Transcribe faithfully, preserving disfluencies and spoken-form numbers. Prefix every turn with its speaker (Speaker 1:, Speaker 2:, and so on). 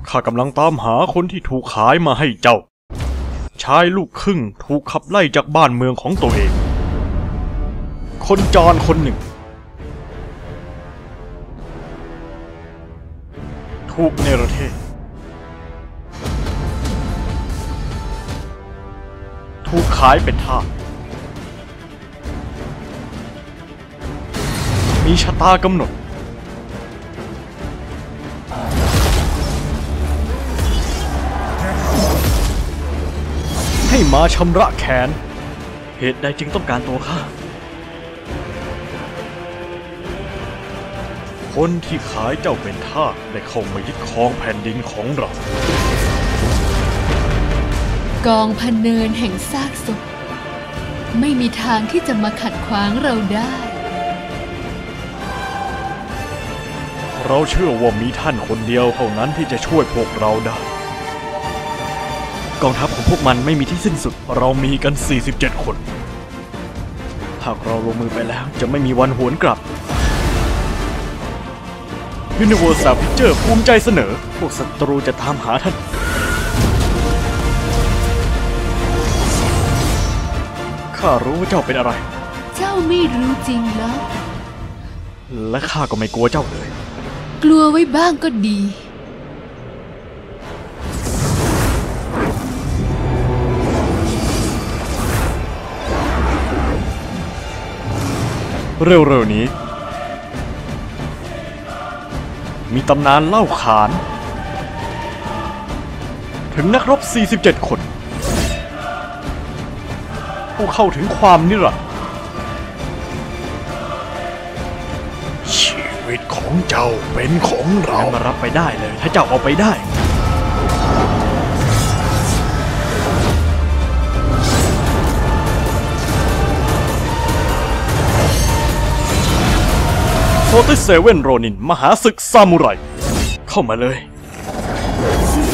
Speaker 1: ข้ากำลังตามหาคนที่ถูกขายมาให้เจ้าชายลูกครึ่งถูกขับไล่จากบ้านเมืองของตัวเองคนจรคนหนึ่งถูกเนรเทศถูกขายเป็นทาสมีชะตากำหนดให้มาชำระแค้นเหตุใดจึงต้องการตัวข้าคนที่ขายเจ้าเป็นทาสได้เข้ามายึดครองแผ่นดินของเรา
Speaker 2: กองพเนินแห่งซากศพไม่มีทางที่จะมาขัดขวางเราได้
Speaker 1: เราเชื่อว่ามีท่านคนเดียวเท่านั้นที่จะช่วยพวกเราได้กองทัพของพวกมันไม่มีที่สิ้นสุดเรามีกันสี่สิบเจ็ดคนหากเราลงมือไปแล้วจะไม่มีวันหวนกลับ Universal Pictures ภูมิใจเสนอพวกศัตรูจะตามหาท่านข้ารู้ว่าเจ้าเป็นอะไร
Speaker 2: เจ้าไม่รู้จริงแล้ว
Speaker 1: และข้าก็ไม่กลัวเจ้าเลย
Speaker 2: กลัวไว้บ้างก็ดี
Speaker 1: เร็วๆนี้มีตำนานเล่าขานถึงนักรบสี่สิบเจ็ดคนผู้เข้าถึงความนิรันดร์ชีวิตของเจ้าเป็นของเรามารับไปได้เลยถ้าเจ้าเอาไปได้โฟร์ตี้เซเว่นโรนินมหาศึกซามูไรเข้ามาเลย